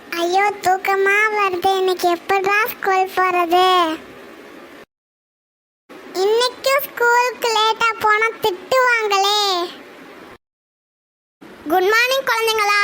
ஐயோ தூக்கமா வருது. இன்னைக்கு எப்படா ஸ்கூல் போறது? இன்னைக்கும் ஸ்கூலுக்கு லேட்டா போனா திட்டுவாங்களே. குட் மார்னிங் குழந்தைங்களா.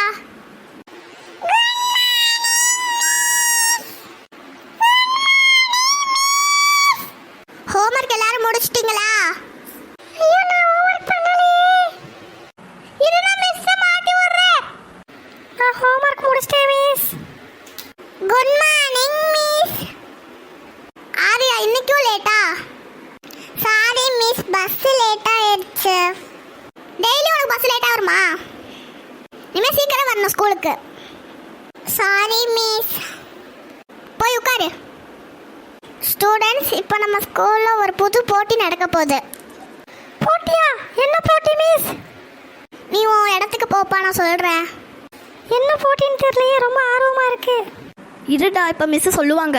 ஹோம்வொர்க் எல்லாரும் முடிச்சிட்டீங்களா? ஐயோ நான் ஹோம்வொர்க் பண்ணலையே. இரு நான் மிஸ் மாட்டி விடுறேன். நான் ஹோம்வொர்க் முடிச்சிட்டேன் miss. Good morning miss. Arya இன்னைக்கும் லேட்டா? சாரி மிஸ், பஸ் லேட் ஆயிடுச்சு. டெய்லி உனக்கு பஸ் லேட்டா வருமா? இனிமே சீக்கிரம் வரணும் ஸ்கூலுக்கு. Sorry miss. போய் உட்காரு. ஸ்டூடெண்ட்ஸ், இப்போ நம்ம ஸ்கூலில் ஒரு புது போட்டி நடக்க போகுது. போட்டியா? என்ன போட்டி மிஸ்? நீ உன் இடத்துக்கு போப்பா, நான் சொல்கிறேன். என்ன போட்டின்னு தெரியலையே, ரொம்ப ஆர்வமாக இருக்கு. இருடா, இப்போ மிஸ் சொல்லுவாங்க.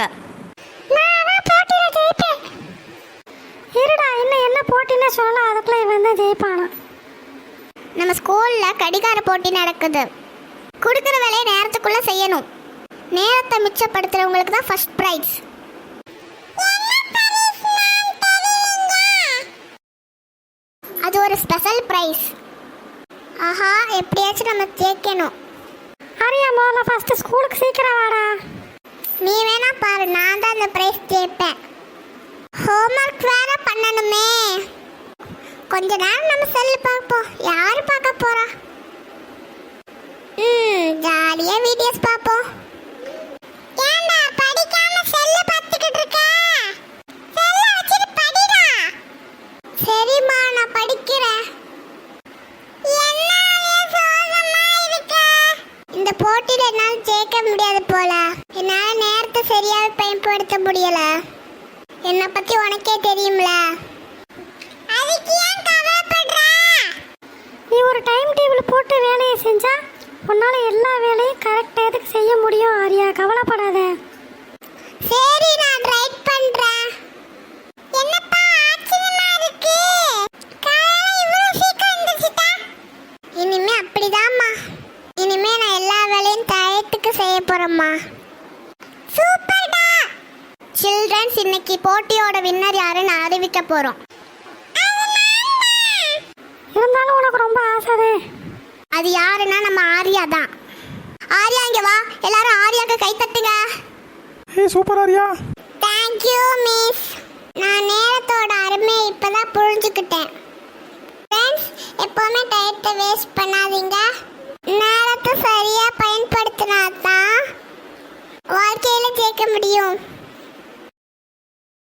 இருடா, என்ன போட்டின்னு சொல்லலாம், அதுக்குள்ள இவன் தான் ஜெயிப்பானா? நம்ம ஸ்கூலில் கடிகார போட்டி நடக்குது. கொடுக்குற வேலையை நேரத்துக்குள்ளே செய்யணும். நேரத்தை மிச்சப்படுத்துகிறவங்களுக்கு தான் ஃபர்ஸ்ட் ப்ரைஸ். அது ஒரு ஸ்பெஷல் ப்ரைஸ். ஆஹா, எப்படியாச்சும் நம்ம ஜெயிக்கணும். அரியா, முதல்ல ஃபர்ஸ்ட் ஸ்கூலுக்கு சீக்கிரம் வாடா. நீ வேணா பாரு, நான் தான் அந்த ப்ரைஸ் ஜெயிப்பேன். ஹோம்வொர்க் வேற பண்ணணுமே. கொஞ்ச நேரம் நம்ம செல்லு பார்ப்போம். யாரு பார்க்க போறா? ஜாலியா வீடியோஸ் பார்ப்போம். ஏண்டா படிக்காம செல்லு பார்த்துக்கிட்டு இருக்க? செல்ல வச்சிட்டு படிடா. சரிம்மா, நான் படிக்கிறேன். இந்த போட்டியில என்னால் ஜெயிக்க முடியாது போல. என்னால் நேரத்தை சரியாக பயன்படுத்த முடியல. என்னை பத்தி உனக்கே தெரியும்ல. அதுக்கு ஏன் கவலைப்படுற? நீ ஒரு டைம் டேபிள் போட்டு வேலையை செஞ்சா உன்னால எல்லா வேலையும் கரெக்ட் டயத்துக்கு செய்ய முடியும். ஆரியா, கவலைப்படாத. சரி, நான் ட்ரை பண்றேன். என்னப்பா ஆச்சரியமா இருக்கு, காலையில இவ்வளவு சீக்கிரம் எந்திரிச்சிட்டா? இனிமே அப்படிதாம்மா. இனிமே நான் எல்லா வேலையும் டயத்துக்கு செய்ய போறேம்மா. சூப்பர்டா. சில்ட்ரன்ஸ், இன்னைக்கு போட்டியோட வின்னர் யாருன்னு அறிவிக்க போறோம். இருந்தாலும் உனக்கு ரொம்ப ஆசை. அது யாருன்னா நம்ம ஆரியா தான். ஆரியா இங்க வா, எல்லாரும் ஆரியாக்கு கை தட்டுங்க. ஏய் super Arya. Thank you miss. நான் நேரத்தோட அருமையை இப்பதான் புரிஞ்சுக்கிட்டேன். ஃப்ரெண்ட்ஸ், எப்பவுமே டயத்தை வேஸ்ட் பண்ணாதீங்க. நேரத்தை சரியா பயன்படுத்தினா தான் வாழ்க்கையில ஜெயிக்க முடியும்.